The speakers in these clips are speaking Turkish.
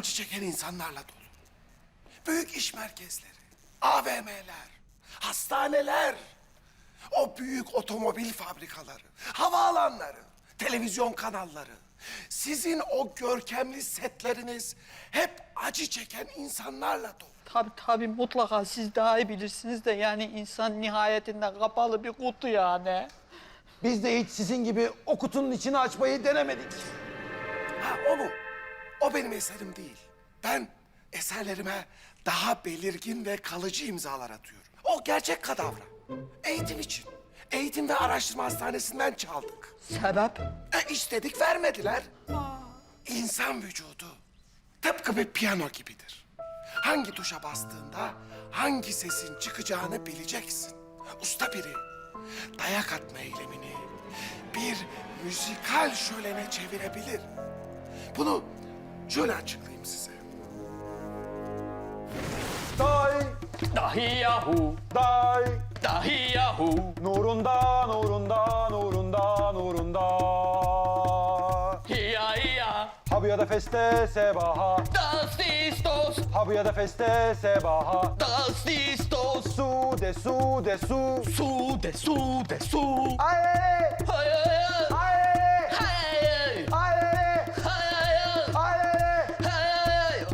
acı çeken insanlarla dolu. Büyük iş merkezleri, AVM'ler, hastaneler, o büyük otomobil fabrikaları, havaalanları, televizyon kanalları. Sizin o görkemli setleriniz hep acı çeken insanlarla dolu. Tabii mutlaka siz daha iyi bilirsiniz de yani insan nihayetinde kapalı bir kutu yani. Biz de hiç sizin gibi o kutunun içini açmayı denemedik. Ha o mu? O benim eserim değil. Ben eserlerime daha belirgin ve kalıcı imzalar atıyorum. O gerçek kadavra. Eğitim için. Eğitim ve Araştırma Hastanesi'nden çaldık. Sebep? İstedik vermediler. İnsan vücudu tıpkı bir piyano gibidir. Hangi tuşa bastığında hangi sesin çıkacağını bileceksin. Usta biri dayak atma eylemini bir müzikal şölene çevirebilir. Bunu şöyle açıklayayım size. Day, Dahi yahu, day, dahi yahu. nurunda, nurunda, nurunda, nurunda. Hiya hiya, Habuya da feste sebaha, das ist dos, habuya da feste sebaha. das ist dos. Su de su de su. Su de su de su. Ay, Hay hay ay, hay. ay, Hay hay ay.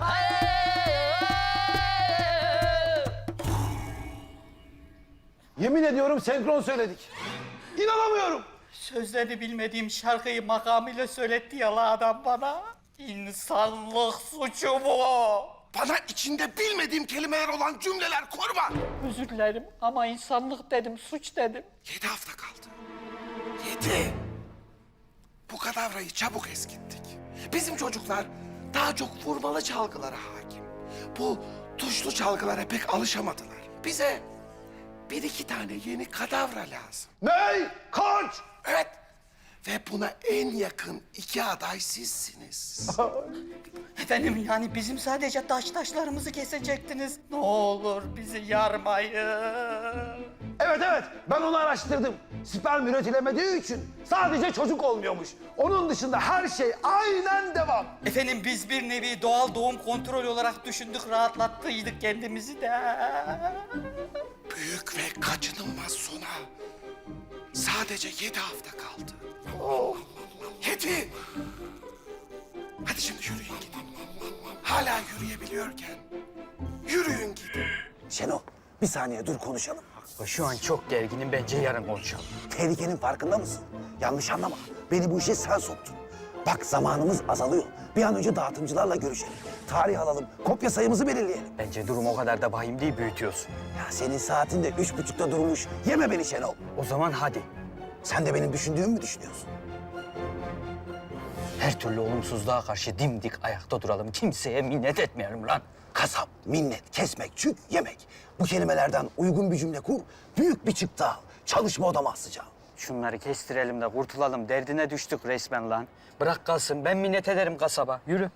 Yemin ediyorum senkron söyledik. İnanamıyorum. Sözlerini bilmediğim şarkıyı makamıyla söyletti ya la adam bana. İnsanlık suçu bu. Bana içinde bilmediğim kelimeler olan cümleler kurma. Özür dilerim ama insanlık dedim, suç dedim. 7 hafta kaldı. 7. Bu kadavrayı çabuk eskittik. Bizim çocuklar daha çok vurmalı çalgılara hakim. Bu tuşlu çalgılara pek alışamadılar. Bize bir iki tane yeni kadavra lazım. Ney? Kaç? Evet. Ve buna en yakın 2 aday sizsiniz. Efendim yani bizim sadece taşlarımızı kesecektiniz. Ne olur bizi yarmayın. Evet, ben onu araştırdım. Sperm üretilemediği için sadece çocuk olmuyormuş. Onun dışında her şey aynen devam. Efendim biz bir nevi doğal doğum kontrol olarak düşündük, rahatlattıydık kendimizi de. Büyük ve kaçınılmaz sona sadece 7 hafta kaldı. 7. Hadi şimdi yürüyün gidin. Hala yürüyebiliyorken yürüyün gidin. Şenol, bir saniye dur konuşalım. Şu an çok gerginim. Bence yarın konuşalım. Tehlikenin farkında mısın? Yanlış anlama. Beni bu işe sen soktun. Bak zamanımız azalıyor. Bir an önce dağıtımcılarla görüşelim. Tarih alalım, kopya sayımızı belirleyelim. Bence durum o kadar da vahim değil, büyütüyorsun. Ya senin saatin de 3.30'da durmuş. Yeme beni Şenol. O zaman hadi. Sen de benim düşündüğümü mü düşünüyorsun? Her türlü olumsuzluğa karşı dimdik ayakta duralım. Kimseye minnet etmeyelim lan. Kasap, minnet, kesmek, çük, yemek. Bu kelimelerden uygun bir cümle kur, büyük bir çıktı al. Çalışma odama asacağım. Şunları kestirelim de kurtulalım. Derdine düştük resmen lan. Bırak kalsın. Ben minnet ederim kasaba. Yürü.